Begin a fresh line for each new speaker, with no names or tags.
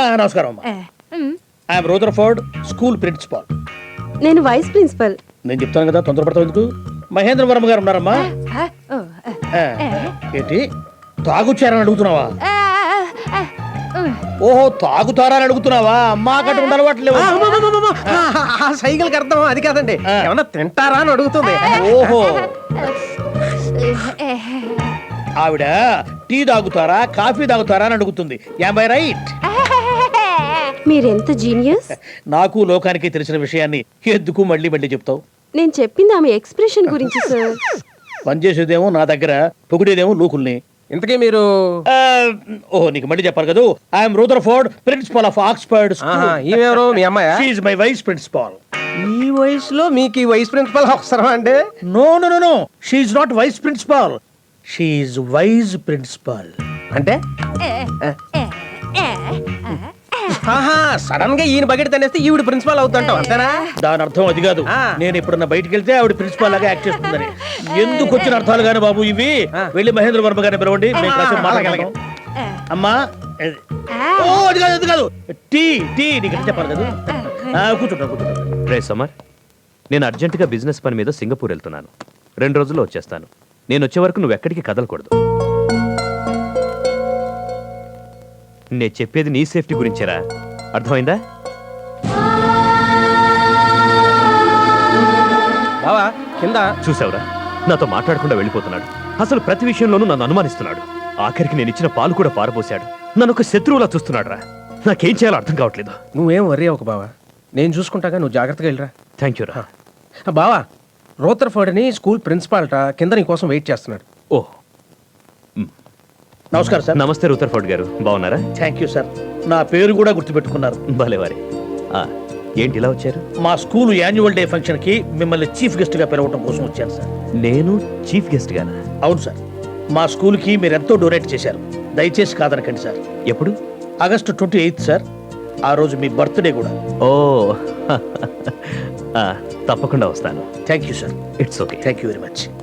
నమస్కారం అమ్మా. I'm Rutherford, school principal.
నేను వైస్ ప్రిన్సిపల్.
నేను చెప్తాను కదా, తొందరపడతావు ఎందుకు? మహేంద్ర వర్మ గారు ఉన్నారమ్మా. ఏంటి తాగుచ్చారని అడుగుతున్నావా? ఓహో, తాగుతారా అని అడుగుతున్నావా? అమ్మా కట్టుకుంటే అలవాట్లేవు.
ఆ సైకిల్కి అర్థం అది కాదండి, ఏమన్నా తింటారా అని అడుగుతుంది.
ఓహో, ఆవిడ టీ తాగుతారా కాఫీ తాగుతారా అని అడుగుతుంది. Am I right?
మీరెంత జీనియస్.
నాకు లోకానికి తెలిసిన విషయాన్ని ఎందుకు మళ్ళీ మళ్ళీ చెప్తావు?
నేను చెప్పింది ఆమె ఎక్స్ప్రెషన్ గురించి సార్.
పనిచేసేదేమో నా దగ్గర, పొగిడేదేమో లోకుల్ని.
ఇంతకీ మీరు
ఓహో, నీకు మళ్ళీ చెప్పాలి కదా. I'm Rutherford, principal of Oxford.
ఈమెవరు మీ అమ్మాయా?
She is my vice principal.
ఈ వయసులో మీకు ఈ వైస్ ప్రిన్సిపల్ అవసరం అండి?
No no no no, she is not vice principal, she is wise principal.
అంటే సడన్ గా ఈయన బకెట్ తనేస్తే ఈవిడ ప్రిన్సిపాల్ అవుతుంటావు అంతేనా?
దాని అర్థం అది కాదు. నేను ఎప్పుడన్నా బయటికి వెళ్తే ఆవిడ ప్రిన్సిపాల్ లాగా యాక్ట్ చేస్తుందని. ఎందుకు వచ్చిన అర్థాలు గాని బాబు ఇవి? వెళ్ళి మహేంద్ర వర్మ గారిని పిలవండి, మేము కాసేపు మాట్లాడగలం. అమ్మా ఓ అది కాదు, అది కాదు, టీ టీ నీకు చెప్పాలి కదా. కూర్చుంటా కూర్చుంటా.
రే సమర్, నేను అర్జెంటుగా బిజినెస్ పని మీద సింగపూర్ వెళ్తున్నాను. 2 రోజుల్లో వచ్చేస్తాను. నేను వచ్చే వరకు నువ్వు ఎక్కడికి కదలకూడదు. నేను చెప్పేది నీ సేఫ్టీ గురించేరా, అర్థమైందా?
బావా కింద
చూసావురా, నాతో మాట్లాడకుండా వెళ్ళిపోతున్నాడు. అసలు ప్రతి విషయంలోనూ నన్ను అనుమానిస్తున్నాడు. ఆఖరికి నేను ఇచ్చిన పాలు కూడా పారబోసాడు. నన్ను ఒక శత్రువులా చూస్తున్నాడు రా. నాకేం చేయాలో అర్థం కావట్లేదు.
నువ్వేం వర్రీ అవ్వకు బావా, నేను చూసుకుంటాగా, నువ్వు జాగ్రత్తగా వెళ్ళరా.
థ్యాంక్ యూ రా.
బావా, రూదర్ఫోర్డ్ అని స్కూల్ ప్రిన్సిపాల్ట కింద నీ కోసం వెయిట్ చేస్తున్నాడు.
ఓ
నమస్కారం సార్.
నమస్తే రూదర్ఫోర్డ్ గారు, బాగున్నారా?
Thank you sir. నా పేరు కూడా గుర్తుపెట్టుకున్నారు.
భలేవారే. ఏంటి ఇలా వచ్చారు?
మా స్కూల్ యాన్యువల్ డే ఫంక్షన్ కి మిమ్మల్ని చీఫ్ గెస్ట్ గా పిలవటం కోసం వచ్చాను సార్.
నేను చీఫ్ గెస్ట్ గానా?
అవును సార్. మా స్కూల్ కి మీరు ఎంతో డొనేట్ చేశారు, దయచేసి కాదనకండి సార్.
ఎప్పుడు?
August 28 sir. ఆ రోజు మీ బర్త్డే కూడా.
ఓ తప్పకుండా వస్తాను.
Thank you sir.
It's okay.
Thank you very much.